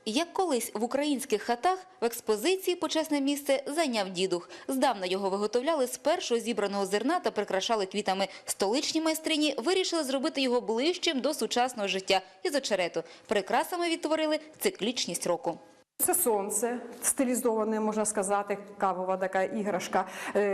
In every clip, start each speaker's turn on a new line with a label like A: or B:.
A: Як колись в українських хатах, в експозиції почесне місце зайняв дідух. Здавна його виготовляли з першого зібраного зерна та прикрашали квітами. Столичні майстрині вирішили зробити його ближчим до сучасного життя із очерету. Прикрасами відтворили циклічність року.
B: Це сонце, стилізоване, можна сказати, кавова така іграшка.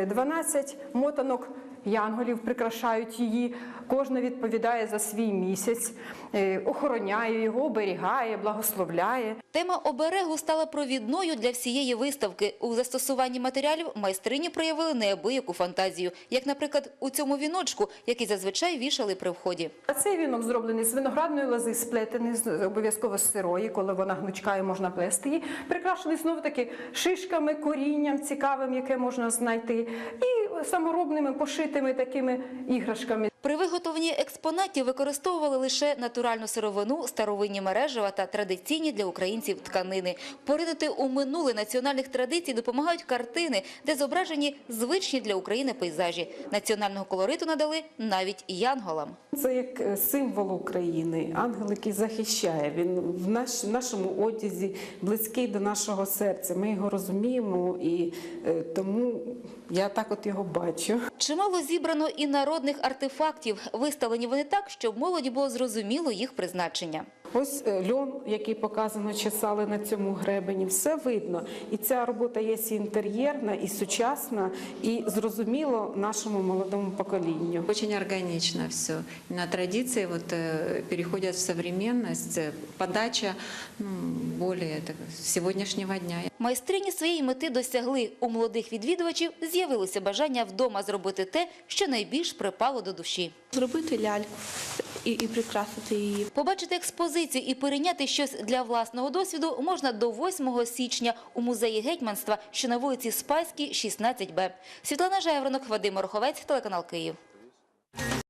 B: 12 мотанок янголів прикрашають її. Кожна відповідає за свій місяць, охороняє його, оберігає, благословляє.
A: Тема оберегу стала провідною для всієї виставки. У застосуванні матеріалів майстрині проявили неабияку фантазію. Як, наприклад, у цьому віночку, який зазвичай вішали при вході.
B: А цей вінок зроблений з виноградної лози, сплетений обов'язково з сирої, коли вона гнучка і можна плести її. Прикрашений знову-таки шишками, корінням цікавим, яке можна знайти, і саморобними пошитими такими іграшками.
A: При виготовленні експонатів використовували лише натуральну сировину, старовинні мережева та традиційні для українців тканини. Поринути у минуле національних традицій допомагають картини, де зображені звичні для України пейзажі. Національного колориту надали навіть янголам.
C: Це як символ України, ангел, який захищає. Він в нашому одязі близький до нашого серця. Ми його розуміємо і тому я так от його бачу.
A: Чимало зібрано і народних артефактів. Виставлені вони так, щоб молоді було зрозуміло їх призначення.
C: Ось льон, який показано, чесали на цьому гребені, все видно. І ця робота є і інтер'єрна, і сучасна, і зрозуміло нашому молодому поколінню.
D: Очень органично все. На традиции переходят в современность, подача более сегодняшнего дня.
A: Майстрині своєї мети досягли. У молодих відвідувачів з'явилося бажання вдома зробити те, що найбільш припало до душі.
E: Зробити ляльку і прикрасити її.
A: Побачити експозицію і перейняти щось для власного досвіду можна до 8 січня у музеї гетьманства, що на вулиці Спаській, 16Б. Світлана Жайворонок, Вадим Орховець, телеканал Київ.